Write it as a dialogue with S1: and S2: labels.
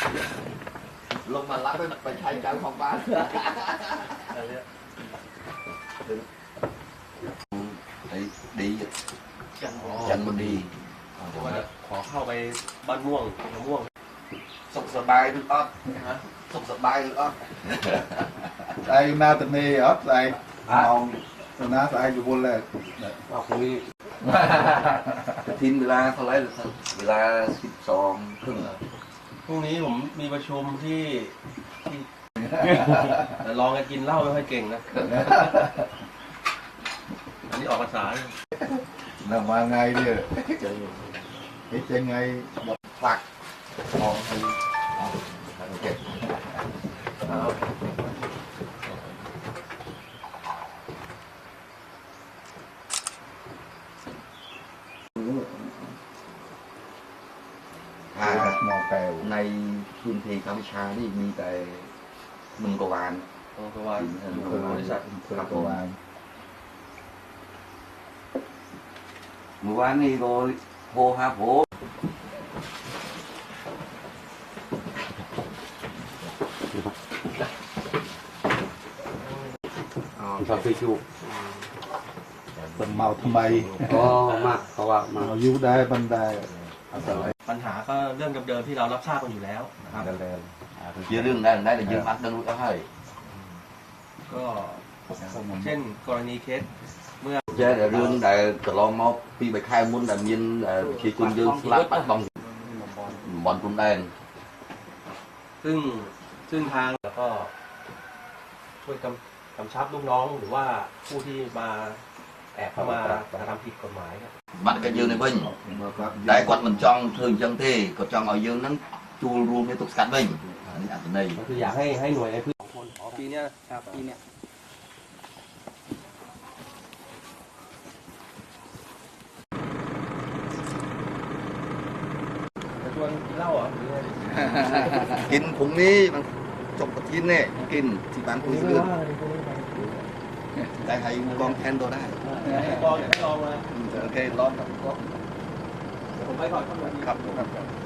S1: ลงมารับไปใช้การของบ้านไอ้ดีจันมันดี
S2: ขอเข้าไปบ้านม่วงมะม่วง
S1: สุขสบายหรืออ๊อดสุขสบายหรืออ๊อด
S3: ไอ้นาตเนีอ๊อดไอ้มองนาไอ้อยู่บนเลย
S2: ว่าพรุ่งนี้
S1: ทิ้งเวลาเท่าไรเวลา12 ครึ่ง
S2: พรุ่งนี้ผมมีประชุมที่ลองกันกินเหล้าไม่ค่อยเก่งนะอันนี้ออกภาษา
S3: นำมาไงเนี่ยเฮ้ยยังไงแบบผลักมองไปเก็บมองแปล
S1: ในพื้นที่กัมพูชานี่มีแต่มึงกวาน
S2: บริษัท
S3: กวาน
S1: เมื่อวานนี้ก็โทรหาผม
S2: ชอบฟิชู
S3: เป็นเมาทำไม
S2: ก็มากเพราะว่า
S3: มายุได้บันได
S2: ปัญหาก็เรื่องเดิมๆที่เรารับทราบกันอยู่แล้ว
S3: นะครับ
S1: เยอะเรื่องได้แต่เยอะมากต้องรู้ก็ให้
S2: ก็เช่นกรณีเคสเมื่อ
S1: เจ้าเรื่องแต่ตลอดมาปีไปค่ายมุนแต่ยินชีคุณยืนสลับปัดบอลบอลคุณแดง
S2: ซึ่งทางแล้วก็ช่วยกำชับลูกน้องหรือว่าผู้ที่มาแอบเข้ามากระทำผิดกฎหมาย
S1: บัตรก็ยืนในวิ่งได้กดมันจ้องถึงจังเท่ก็จ้องเอายืนนั้นจูรวมในตุกสัดวิ่งอันนี้อันนี้
S2: ก็คืออยากให้หน่วยในพื้นที่คนปีนี้ครับปีนี้จะชวนกินเหล้าเหรอ
S1: กินผงนี้มันจบกับกินเนี่ยกินที่บ้านคุยเรื่องได้ให้กองแทนตัวได้
S2: กองอยากให้ลองมา
S1: โอเคลองครับ
S2: ผมไปก่อนครับ